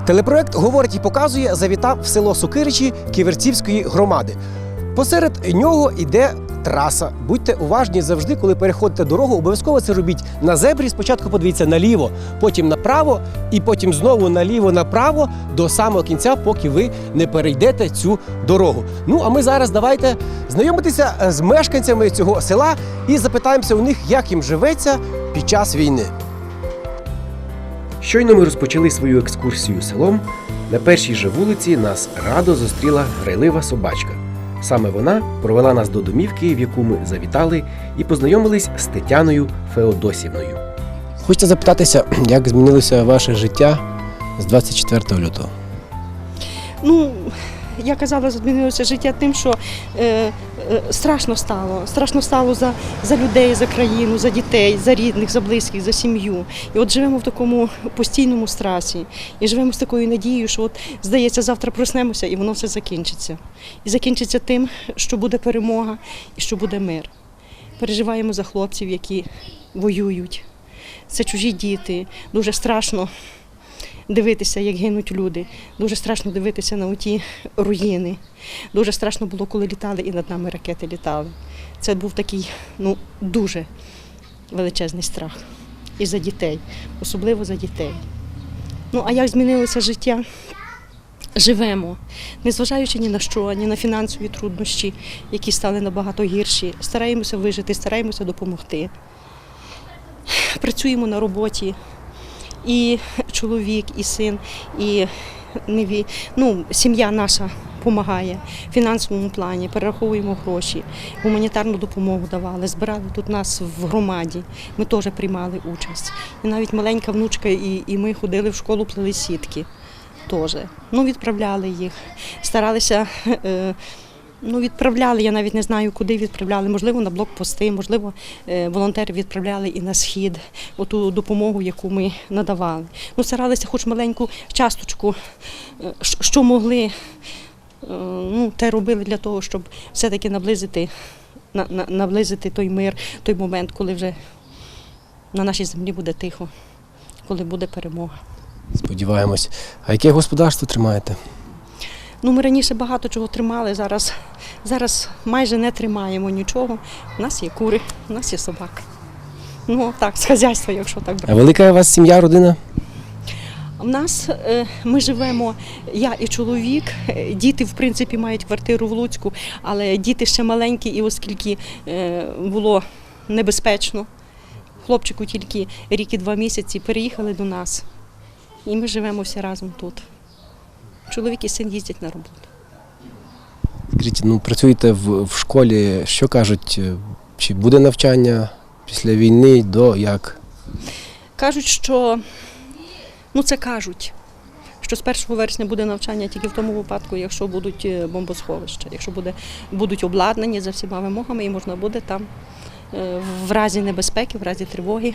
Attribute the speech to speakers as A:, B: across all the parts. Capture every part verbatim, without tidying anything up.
A: Телепроект «Говорить і показує» завітав в село Сокиричі Ківерцівської громади. Посеред нього йде траса. Будьте уважні завжди, коли переходите дорогу, обов'язково це робіть на зебрі. Спочатку подивіться наліво, потім направо і потім знову наліво-направо до самого кінця, поки ви не перейдете цю дорогу. Ну, а ми зараз давайте знайомитися з мешканцями цього села і запитаємося у них, як їм живеться під час війни. Щойно ми розпочали свою екскурсію селом. На першій же вулиці нас радо зустріла грайлива собачка. Саме вона провела нас до домівки, в яку ми завітали, і познайомились з Тетяною Феодосівною. Хочете запитатися, як змінилося ваше життя з двадцять четвертого лютого?
B: Ну, я казала, змінилося життя тим, що е, е, страшно стало. Страшно стало за, за людей, за країну, за дітей, за рідних, за близьких, за сім'ю. І от живемо в такому постійному страсі. І живемо з такою надією, що от, здається, завтра проснемося і воно все закінчиться. І закінчиться тим, що буде перемога і що буде мир. Переживаємо за хлопців, які воюють. Це чужі діти. Дуже страшно дивитися, як гинуть люди. Дуже страшно дивитися на оті руїни. Дуже страшно було, коли літали і над нами ракети літали. Це був такий, ну, дуже величезний страх. І за дітей, особливо за дітей. Ну, а як змінилося життя? Живемо, незважаючи ні на що, ні на фінансові труднощі, які стали набагато гірші. Стараємося вижити, стараємося допомогти. Працюємо на роботі. І чоловік, і син, і неві... ну, сім'я наша допомагає в фінансовому плані, перераховуємо гроші, гуманітарну допомогу давали, збирали тут нас в громаді, ми теж приймали участь. І навіть маленька внучка і, і ми ходили в школу, плели сітки теж. Ну, відправляли їх, старалися, е, ну, відправляли, я навіть не знаю, куди відправляли, можливо, на блокпости, можливо, волонтери відправляли і на схід, оту допомогу, яку ми надавали. Ну, старалися хоч маленьку часточку, що могли, ну, те робили для того, щоб все-таки наблизити, на, на, наблизити той мир, той момент, коли вже на нашій землі буде тихо, коли буде перемога.
A: Сподіваємось. А яке господарство тримаєте?
B: Ну, ми раніше багато чого тримали, зараз, зараз майже не тримаємо нічого. У нас є кури, у нас є собаки. Ну, так, з хазяйства, якщо так брати.
A: А велика у вас сім'я, родина?
B: У нас, ми живемо, я і чоловік, діти, в принципі, мають квартиру в Луцьку, але діти ще маленькі, і оскільки було небезпечно, хлопчику тільки рік і два місяці, переїхали до нас. І ми живемо всі разом тут. Чоловік і син їздять на роботу.
A: Скажіть, ну, працюєте в, в школі, що кажуть, чи буде навчання після війни, до, як?
B: Кажуть, що, ну це кажуть, що з першого вересня буде навчання тільки в тому випадку, якщо будуть бомбосховища, якщо буде, будуть обладнані за всіма вимогами і можна буде там в разі небезпеки, в разі тривоги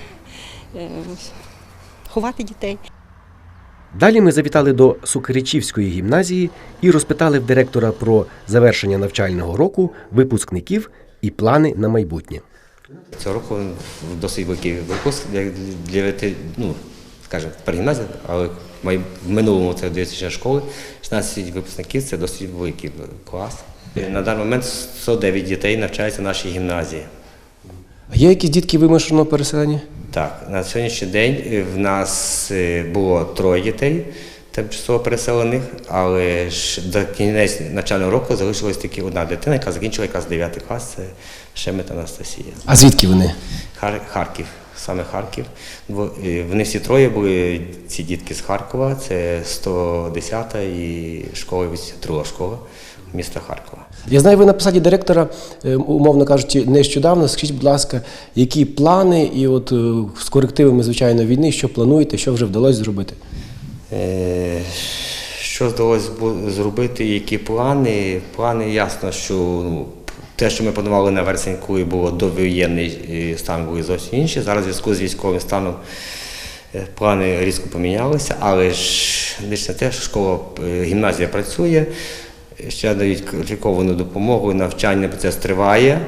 B: ховати дітей.
A: Далі ми завітали до Сокиричівської гімназії і розпитали в директора про завершення навчального року, випускників і плани на майбутнє.
C: Цього року досить великий випуск для, ну, скажімо, тепер гімназія, але в минулому це дитяча школи, шістнадцять випускників – це досить великий клас. На даний момент сто дев'ять дітей навчаються в нашій гімназії.
A: А є якісь дітки вимушено переселені?
C: Так, на сьогоднішній день в нас було троє дітей тимчасово переселених, але ж до кінець навчального року залишилась тільки одна дитина, яка закінчила якраз дев'ятий клас, це Шемет Анастасія.
A: А звідки вони?
C: Хар- Харків, саме Харків. Вони всі троє були, ці дітки з Харкова, це сто десята і школа, друга школа міста Харкова.
A: Я знаю, ви на посаді директора, умовно кажучи, нещодавно. Скажіть, будь ласка, які плани і от з корективами, звичайно, війни, що плануєте, що вже вдалося зробити?
C: Е, що вдалося зробити, які плани? Плани, ясно, що ну, те, що ми планували на вересень, коли було довоєнний стан, були зовсім інші. Зараз в зв'язку з військовим станом плани різко помінялися, але ж не те, що школа, гімназія працює, ще дають кваліфіковану допомогу, навчальний процес триває.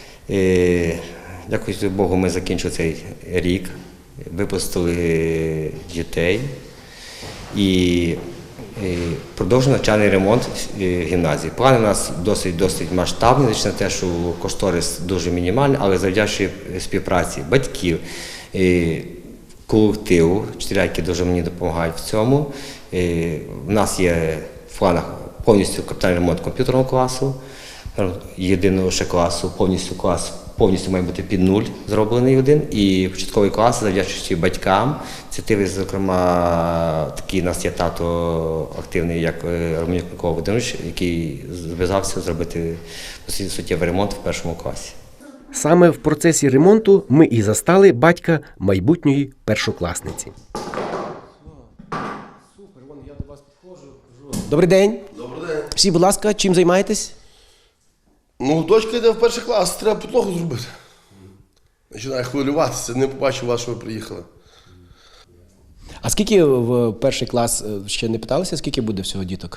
C: Дякую Богу, ми закінчили цей рік, випустили дітей. І е, продовжуємо навчальний ремонт е, гімназії. Плани у нас досить досить масштабні, звичайно, те, що кошторис дуже мінімальний, але завдячуючи співпраці батьків, е, колективу, вчителя, які дуже мені допомагають в цьому. Е, У нас є в планах повністю капітальний ремонт комп'ютерного класу, єдиного ще класу, повністю клас повністю має бути під нуль зроблений один. І початковий клас, завдячуючи батькам, ініціативи, зокрема, такий у нас є тато активний, як Романюк Микола Володимирович, який зв'язався зробити досить суттєвий ремонт в першому класі.
A: Саме в процесі ремонту ми і застали батька майбутньої першокласниці. Добрий день.
D: Добрий день.
A: Всі, будь ласка, чим займаєтесь?
D: Ну, дочка йде в перший клас, треба підлогу зробити. Починає хвилюватися, не побачив вас, що ви приїхали.
A: А скільки в перший клас, е, ще не питалися, скільки буде всього діток?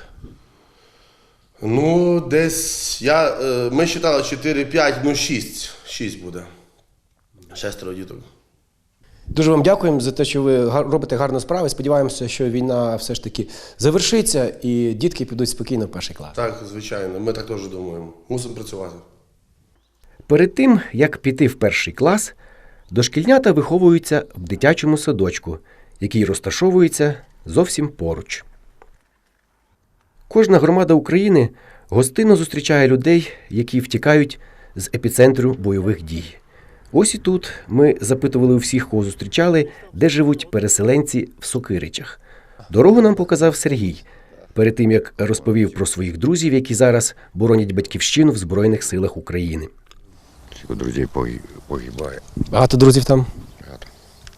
D: Ну, десь я, е, ми вважали чотири п'ять, ну шість. шість буде. Шестеро діток.
A: Дуже вам дякуємо за те, що ви гар- робите гарну справу. Сподіваємося, що війна все ж таки завершиться і дітки підуть спокійно в перший клас.
D: Так, звичайно, ми так теж думаємо. Мусимо працювати.
A: Перед тим, як піти в перший клас, дошкільнята виховуються в дитячому садочку, який розташовується зовсім поруч. Кожна громада України гостинно зустрічає людей, які втікають з епіцентру бойових дій. Ось і тут ми запитували у всіх, кого зустрічали, де живуть переселенці в Сокиричах. Дорогу нам показав Сергій, перед тим, як розповів про своїх друзів, які зараз боронять батьківщину в Збройних силах України.
E: Скільки друзів погиб- погибає.
A: Багато друзів там?
E: Багато.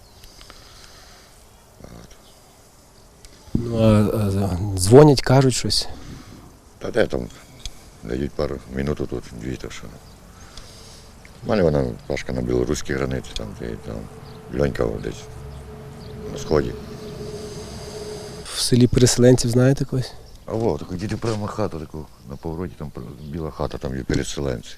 A: Ну, а, а, дзвонять, кажуть щось.
E: Та де там дають пару минут тут, дві, то що. У мене вона Пашка на білоруській границі, там, де, там Льонька десь на сході.
A: В селі переселенців знаєте когось?
E: А во, таку діти прямо хату, таку на повороті, там біла хата, там є переселенці.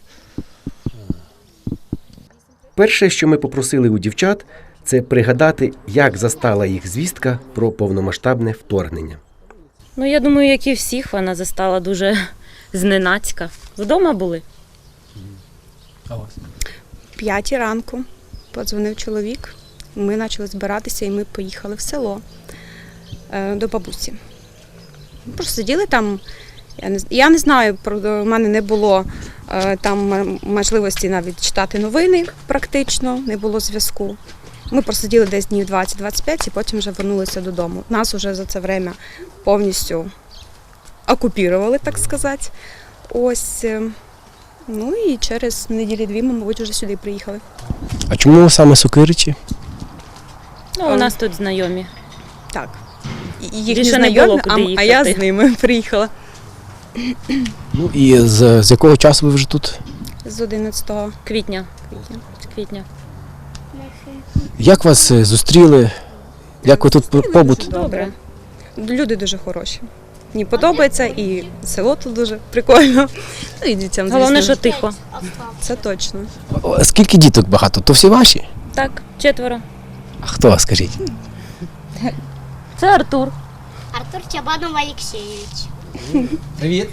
A: Перше, що ми попросили у дівчат, це пригадати, як застала їх звістка про повномасштабне вторгнення.
F: Ну, я думаю, як і всіх, вона застала дуже зненацька. Вдома були?
A: А вас?
G: П'ятій ранку подзвонив чоловік. Ми почали збиратися і ми поїхали в село е, до бабусі. Ми просто сиділи там. Я не, я не знаю, про в мене не було е, там м- можливості навіть читати новини практично, не було зв'язку. Ми просиділи десь днів двадцять-двадцять п'ять і потім вже вернулися додому. Нас вже за це время повністю окупували, так сказати. Ось. е, Ну і через неділі-дві ми, мабуть, вже сюди приїхали.
A: А чому саме Сокиричі?
F: Ну, у нас тут знайомі.
G: Так. І- Їх
F: Більше
G: не
F: не було
G: знайомі,
F: куди
G: а, а я
F: їхати.
G: з ними приїхала.
A: Ну і з, з якого часу ви вже тут?
G: З одинадцятого
F: Квітня.
G: квітня.
F: З квітня.
A: Як вас е, зустріли? Як ви тут побут?
F: Добре.
G: Люди дуже хороші. Мені подобається, і село тут дуже прикольно. Ну і дітям, звісно.
F: Головне, що тихо.
G: Це точно.
A: О, скільки діток багато? То всі ваші?
F: Так, четверо.
A: А хто, скажіть?
F: Це Артур.
H: Артур Чабанов Алексеевич.
A: Привіт.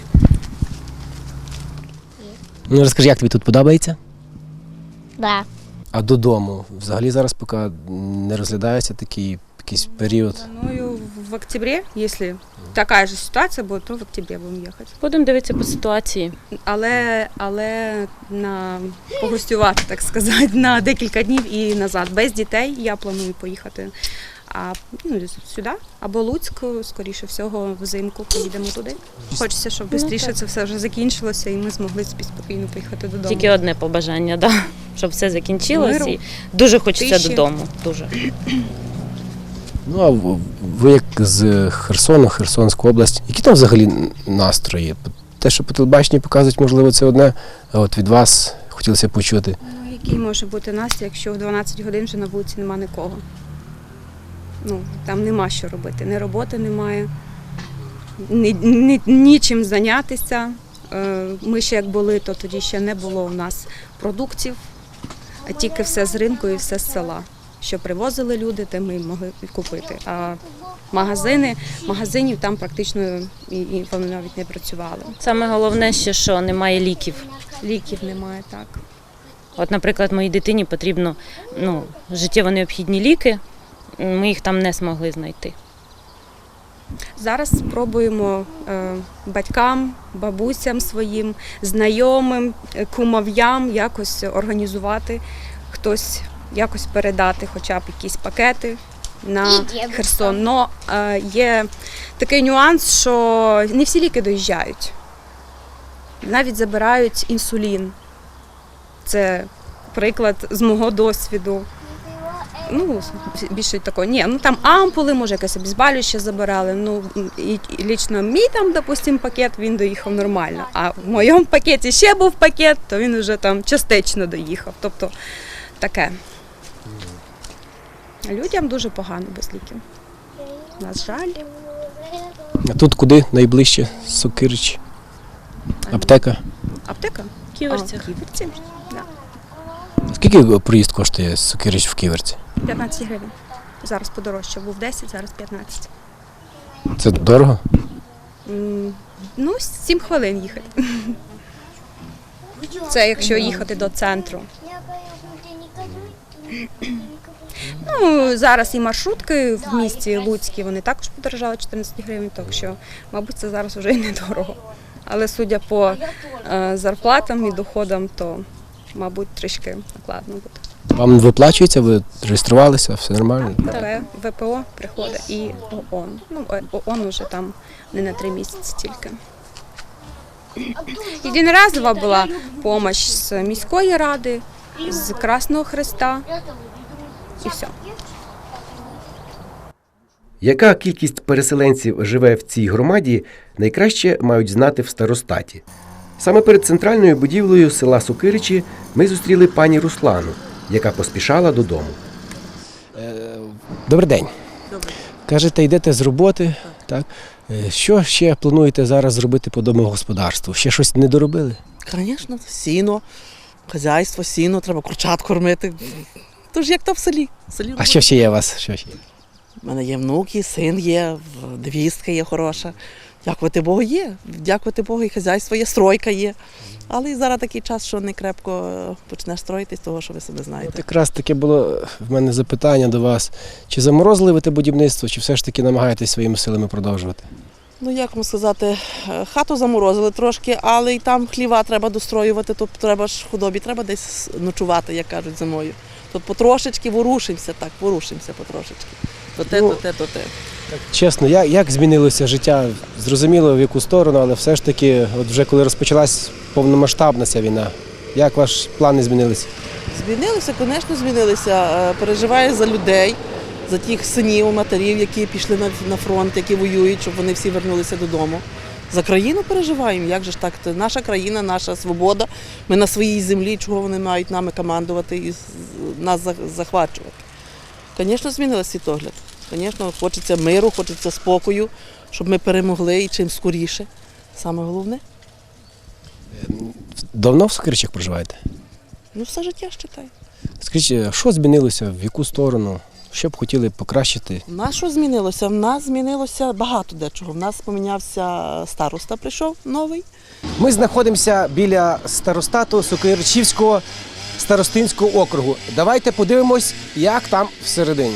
A: Ну розкажи, як тобі тут подобається?
H: Да.
A: А додому? Взагалі зараз поки не розглядається такий якийсь період.
G: Планую в октябрі, якщо така ж ситуація буде, то в октябрі будемо їхати.
F: Будемо дивитися по ситуації.
G: Але, але на погостювати, так сказати, на декілька днів і назад. Без дітей я планую поїхати а, ну, сюди, або Луцьк, скоріше всього, взимку поїдемо туди. Хочеться, щоб
F: Ну,
G: швидше
F: так.
G: це все вже закінчилося і ми змогли собі спокійно поїхати додому.
F: Тільки одне побажання, да. Щоб все закінчилось.
G: Миру,
F: І дуже хочеться
G: тиші.
F: додому. Дуже.
A: Ну, а в- ви як з Херсону, Херсонська область, які там взагалі настрої? Те, що по телебаченні показують, можливо, це одне, а от від вас хотілося почути.
G: Ну, який може бути настрій, якщо в дванадцять годин вже на вулиці нема нікого? Ну, там нема що робити, ні роботи немає, ні, ні, нічим зайнятися. Е, Ми ще як були, то тоді ще не було у нас продуктів, а тільки все з ринку і все з села. Що привозили люди, те ми могли купити. А Магазини, магазинів там практично і, і вони навіть не працювали.
F: Саме головне ще, що немає ліків.
G: Ліків немає, так.
F: От, наприклад, моїй дитині потрібно ну, життєво необхідні ліки, ми їх там не змогли знайти.
G: Зараз спробуємо е, батькам, бабусям своїм, знайомим, е, кумов'ям якось організувати, хтось якось передати хоча б якісь пакети на
H: І дідусь.
G: Херсон. Но е, є такий нюанс, що не всі ліки доїжджають. Навіть забирають інсулін. Це приклад з мого досвіду. Ну, більше такого, ні, ну там ампули, може якесь обезболююче забирали, ну, і, і лічно мій там, допустим, пакет, він доїхав нормально, а в моєму пакеті ще був пакет, то він вже там частично доїхав, тобто таке. Людям дуже погано без ліків, на жаль.
A: А тут куди найближче? Сокирич? Аптека?
G: Аптека?
F: В Ківерцях.
G: А, в Ківерці, да.
A: Скільки проїзд коштує з Сокирич в Ківерці?
G: п'ятнадцять гривень. Зараз подорожче, був десять, зараз п'ятнадцять.
A: Це дорого?
G: М, Ну, сім хвилин їхати. Це якщо їхати до центру. Ну, зараз і маршрутки в місті Луцькі, вони також подорожали чотирнадцять гривень, так що, мабуть, це зараз вже і недорого. Але судя по е, зарплатам і доходам, то, мабуть, трішки накладно буде.
A: Вам виплачується, ви реєструвалися, все нормально?
G: ВП, ВПО приходить і ООН. Ну, е, ООН уже там не на три місяці тільки. Єдиноразова була допомога з міської ради, з Красного Хреста і все.
A: Яка кількість переселенців живе в цій громаді, найкраще мають знати в старостаті. Саме перед центральною будівлею села Сокиричі ми зустріли пані Руслану, яка поспішала додому. Добрий день.
I: Добре.
A: Кажете, йдете з роботи, так? Е, Що ще плануєте зараз зробити по домогосподарству? Ще щось не доробили?
I: Звісно, сіно, хазяйство, сіно, треба курчат кормити. Тож як то в селі. В селі
A: А що ще є у вас? Що ще є?
I: У мене є внуки, син є, невістка є хороша. Дякувати Богу є. Дякувати Богу, і хазяйство є, стройка є. Але і зараз такий час, що не крепко почнеш строїтись, того, що ви себе знаєте.
A: От якраз таке було в мене запитання до вас. Чи заморозили ви те будівництво, чи все ж таки намагаєтесь своїми силами продовжувати?
I: Ну, як вам сказати, хату заморозили трошки, але і там хліва треба достроювати, то треба ж худобі, треба десь ночувати, як кажуть, зимою. Тут потрошечки ворушимося, так, ворушимося потрошечки. То те,
A: Ну,
I: то те, то те.
A: Чесно, як, як змінилося життя? Зрозуміло, в яку сторону, але все ж таки, от вже коли розпочалась повномасштабна ця війна, як ваші плани змінилися?
I: Змінилися, звісно, змінилися. Е, Переживаю за людей, за тих синів, матерів, які пішли на, на фронт, які воюють, щоб вони всі вернулися додому. За країну переживаємо, як же ж так? Це наша країна, наша свобода. Ми на своїй землі, чого вони мають нами командувати і з- нас за- захвачувати. Звісно, змінився світогляд. Звісно, хочеться миру, хочеться спокою, щоб ми перемогли і чим скоріше. Саме головне.
A: Давно в Сокиричах проживаєте?
I: Ну, все життя считай.
A: Скажіть, що змінилося, в яку сторону? Що б хотіли покращити?
I: У нас що змінилося? В нас змінилося багато дечого. В нас помінявся староста, прийшов новий.
A: Ми знаходимося біля старостату Сокиричівського старостинського округу. Давайте подивимось, як там всередині.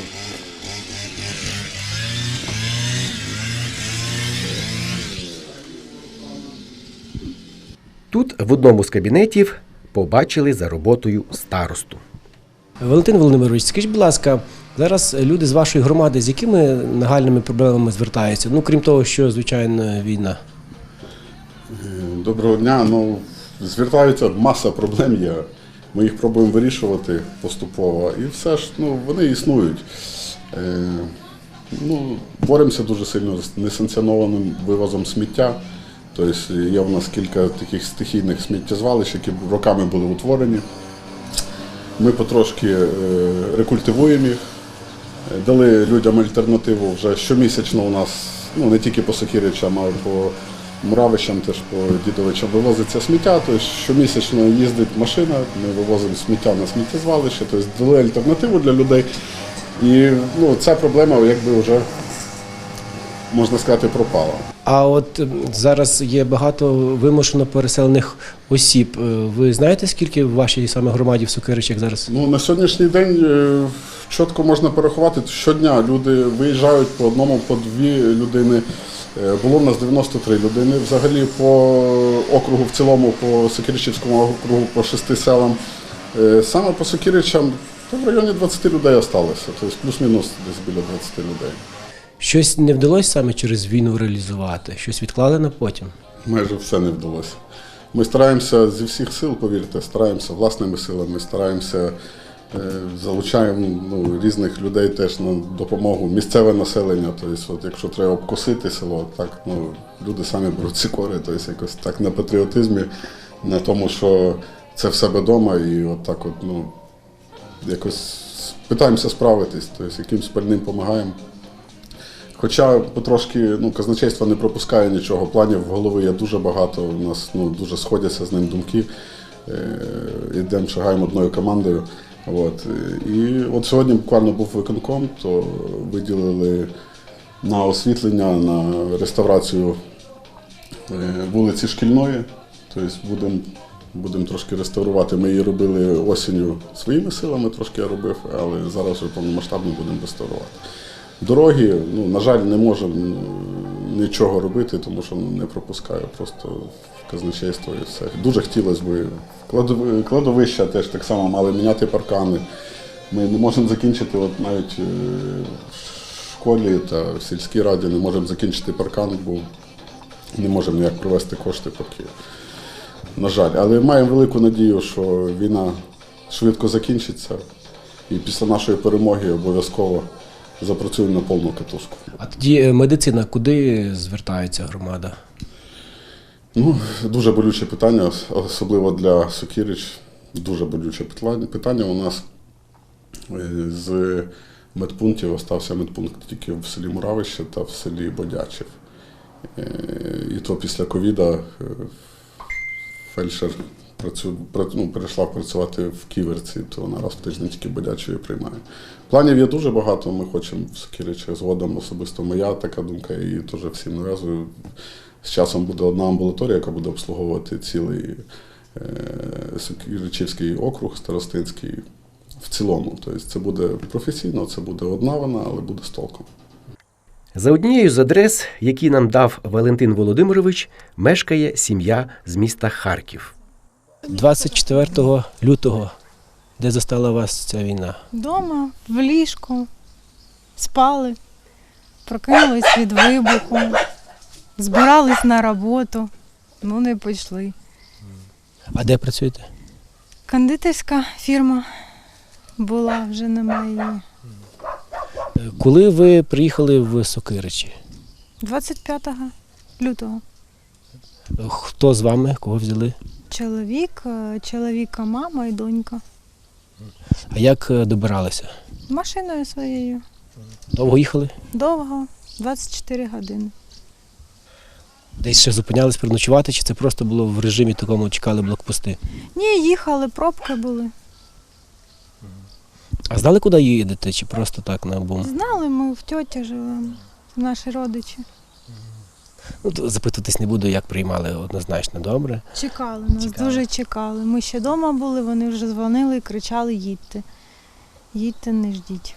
A: Тут в одному з кабінетів побачили за роботою старосту. Валентин Володимирович, скажіть, будь ласка, зараз люди з вашої громади з якими нагальними проблемами звертаються? Ну, крім того, що, звичайно, війна.
J: Доброго дня. Ну, звертаються, маса проблем є. Ми їх пробуємо вирішувати поступово. І все ж ну, вони існують. Е, ну, боремося дуже сильно з несанкціонованим вивозом сміття. Тобто є у нас кілька таких стихійних сміттєзвалищ, які роками були утворені. Ми потрошки е, рекультивуємо їх, дали людям альтернативу вже щомісячно у нас, ну не тільки по Сокиричам, а й по Муравищам, теж по Дідовичам вивозиться сміття, тобто щомісячно їздить машина, ми вивозимо сміття на сміттєзвалище, тобто дали альтернативу для людей. І ну, ця проблема якби вже можна сказати, пропала.
A: А от м, зараз є багато вимушено переселених осіб. Е, Ви знаєте, скільки в вашій саме громаді в Сокиричах зараз?
J: Ну, на сьогоднішній день е, чітко можна порахувати, щодня люди виїжджають по одному, по дві людини. Е, Було в нас дев'яносто три людини. Взагалі по округу в цілому, по Сокиричівському округу, по шести селам. Е, Саме по Сокиричам то в районі двадцять людей залишилося, тобто плюс-мінус десь біля двадцять людей.
A: Щось не вдалося саме через війну реалізувати? Щось відклали на потім?
J: Майже все не вдалося. Ми стараємося зі всіх сил, повірте, стараємося власними силами, стараємося, е, залучаємо ну, різних людей теж на допомогу, місцеве населення. Тобто, от, якщо треба обкосити село, так, ну, люди самі беруть ці кори, тобто, якось так на патріотизмі, на тому, що це в себе вдома, і от так от, ну, якось питаємося справитись, тобто, якимсь пальним допомагаємо. Хоча потрошки ну, казначейство не пропускає нічого, планів в голові є дуже багато, у нас ну, дуже сходяться з ним думки, йдемо, шагаємо одною командою. От. І от сьогодні буквально був виконком, то виділили на освітлення, на реставрацію вулиці Шкільної, тобто будемо будемо трошки реставрувати. Ми її робили осінню своїми силами, трошки я робив, але зараз вже повномасштабно будемо реставрувати. Дороги, ну, на жаль, не можемо нічого робити, тому що не пропускаю просто в казначейство і все. Дуже хотілося б. Кладовища теж так само мали міняти паркани. Ми не можемо закінчити, от навіть в школі та в сільській раді не можемо закінчити паркан, бо не можемо ніяк провести кошти поки. На жаль, але маємо велику надію, що війна швидко закінчиться і після нашої перемоги обов'язково запрацюємо на повну катушку.
A: А тоді медицина, куди звертається громада?
J: Ну, дуже болюче питання, особливо для Сокирич. Дуже болюче питання. У нас з медпунктів остався медпункт тільки в селі Муравище та в селі Бодячів. І то після ковіда фельдшер працю, ну, перейшла працювати в Ківерці, то вона раз в тиждень тільки Бодячої приймає. Планів є дуже багато, ми хочемо в Сокиричах згодом, особисто моя така думка, і теж всім нав'язую. З часом буде одна амбулаторія, яка буде обслуговувати цілий е, Сокиричівський округ старостинський в цілому. Тобто це буде професійно, це буде одна вона, але буде з толком.
A: За однією з адрес, які нам дав Валентин Володимирович, мешкає сім'я з міста Харків. двадцять четвертого лютого, де застала вас ця війна?
K: Дома, в ліжку, спали, прокинулись від вибуху, збирались на роботу, ну не пішли.
A: А де працюєте?
K: Кондитерська фірма була, вже немає її.
A: Коли ви приїхали в Сокиричі?
K: двадцять п'ятого лютого.
A: Хто з вами? Кого взяли?
K: Чоловік, чоловіка, мама і донька.
A: А як добиралися?
K: Машиною своєю.
A: Довго їхали?
K: Довго, двадцять чотири години.
A: Десь ще зупинялись переночувати, чи це просто було в режимі такому, чекали блокпости?
K: Ні, їхали, пробки були.
A: А знали, куди їдете, чи просто так на бум?
K: Знали, ми в тьоті живемо, наші родичі.
A: Ну, то запитуватись не буду, як приймали, однозначно добре.
K: Чекали, нас
A: Чекали.
K: дуже чекали. Ми ще вдома були, вони вже дзвонили і кричали: їдьте. Їдьте, не ждіть.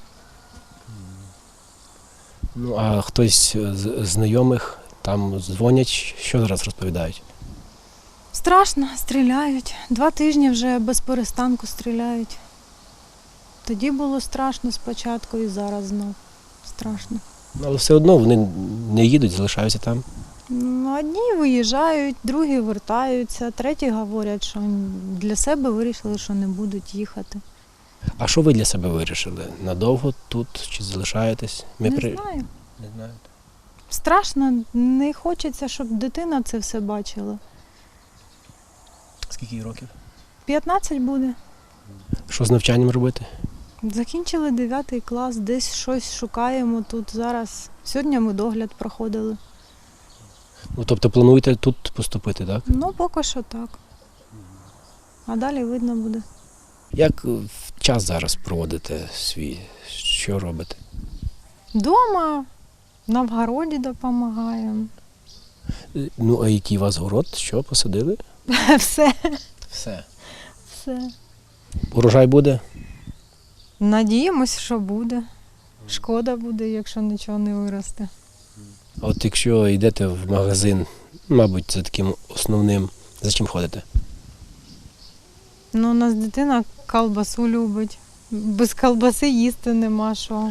A: Ну, а хтось з знайомих там дзвонять, що зараз розповідають?
K: Страшно, стріляють. Два тижні вже без перестанку стріляють. Тоді було страшно спочатку і зараз знов страшно.
A: Ну, але все одно вони не їдуть, залишаються там.
K: Ну, одні виїжджають, другі вертаються, треті говорять, що для себе вирішили, що не будуть їхати.
A: А що ви для себе вирішили? Надовго тут чи залишаєтесь? Ми
K: Не
A: при...
K: знаю.
A: Не знаєте.
K: Страшно, не хочеться, щоб дитина це все бачила.
A: Скільки їй років?
K: п'ятнадцять буде.
A: Що з навчанням робити?
K: Закінчили дев'ятий клас, десь щось шукаємо тут зараз. Сьогодні ми догляд проходили.
A: Ну, тобто плануєте тут поступити, так?
K: Ну, поки що так. А далі видно буде.
A: Як час зараз проводите свій? Що робите?
K: Дома На вгороді допомагаємо.
A: Е, Ну, а який у вас город? Що, посадили?
K: Все,
A: Все.
K: все.
A: Урожай буде?
K: Надіємось, що буде. Шкода буде, якщо нічого не виросте.
A: А от якщо йдете в магазин, мабуть, це таким основним, за чим ходите?
K: Ну, у нас дитина колбасу любить. Без колбаси їсти нема що.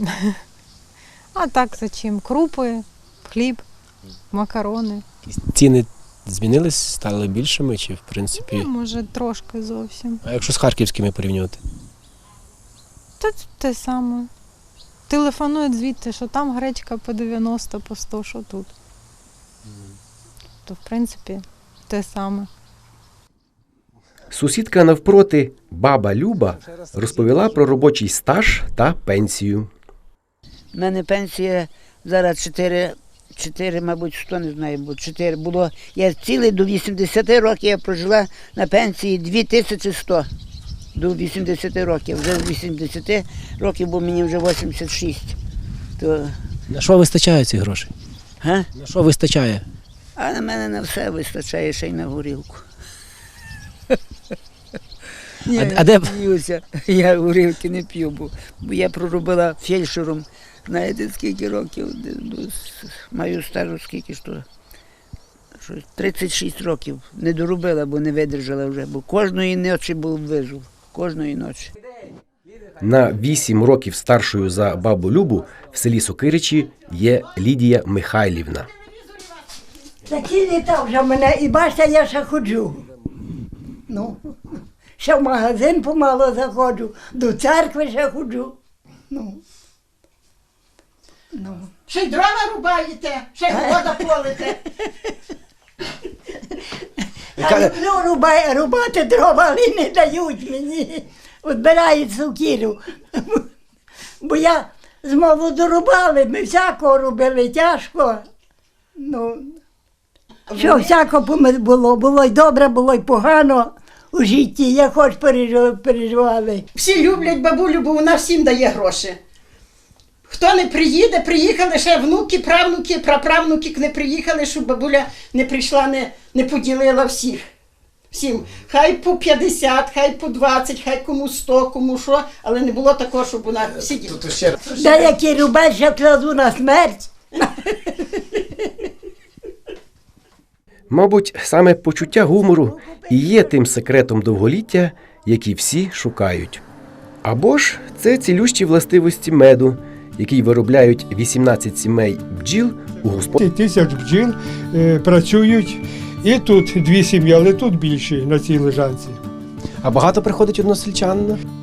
K: А так за чим? Крупи, хліб, макарони.
A: Ціни змінились, стали більшими чи, в принципі,
K: Ну, може, трошки зовсім.
A: а якщо з харківськими порівнювати?
K: Та те саме. Телефонують звідти, що там гречка по дев'яносто, по сто, що тут. То, в принципі, те саме.
A: Сусідка навпроти, баба Люба, розповіла про робочий стаж та пенсію.
L: У мене пенсія зараз чотири, чотири, мабуть, сто, не знаю, бо чотири було. Я цілий до вісімдесяти років я прожила на пенсії дві тисячі сто. До вісімдесяти років. Вже з вісімдесяти років, бо мені вже вісімдесят шість. То...
A: На що вистачає ці гроші?
L: Га?
A: На що вистачає?
L: А на мене на все вистачає, ще й на горілку. Я,
A: А- а де б-
L: сміюся, я горілки не п'ю, бо, бо я проробила фельдшером, знаєте, скільки років, де- ну, с- маю стажу скільки ж то, що тридцять шість років не доробила, бо не видержала вже, бо кожної ночі був вижив, кожної ночі.
A: На вісім років старшою за бабу Любу в селі Сокиричі є Лідія Михайлівна.
M: Такі літа вже мене, і бачите, я ще ходжу. Ну, ще в магазин помало заходжу, до церкви ще ходжу. Ну. Ну.
B: Ще й дрова рубаєте, ще й вода полите.
M: Я люблю рубай, рубати дрова, але не дають мені. Відбирають сукіру. Бо я з молоду рубали, ми всякого робили тяжко. Ну, що всяко було, було й добре, було й погано у житті, як хоч переживали.
B: Всі люблять бабулю, бо вона всім дає гроші. Хто не приїде, приїхали ще внуки, правнуки, праправнуки не приїхали, щоб бабуля не прийшла, не, не поділила всіх. Всім. Хай по п'ятдесят, хай по двадцять, хай кому сто, кому що, але не було такого, щоб вона сиділа.
M: Деякі рубать ще кладу на смерть.
A: Мабуть, саме почуття гумору і є тим секретом довголіття, який всі шукають. Або ж це цілющі властивості меду, який виробляють вісімнадцять сімей бджіл у господарстві.
N: Тисяч бджіл е, працюють, і тут дві сім'ї, але тут більше на цій лежанці.
A: А багато приходить односельчан?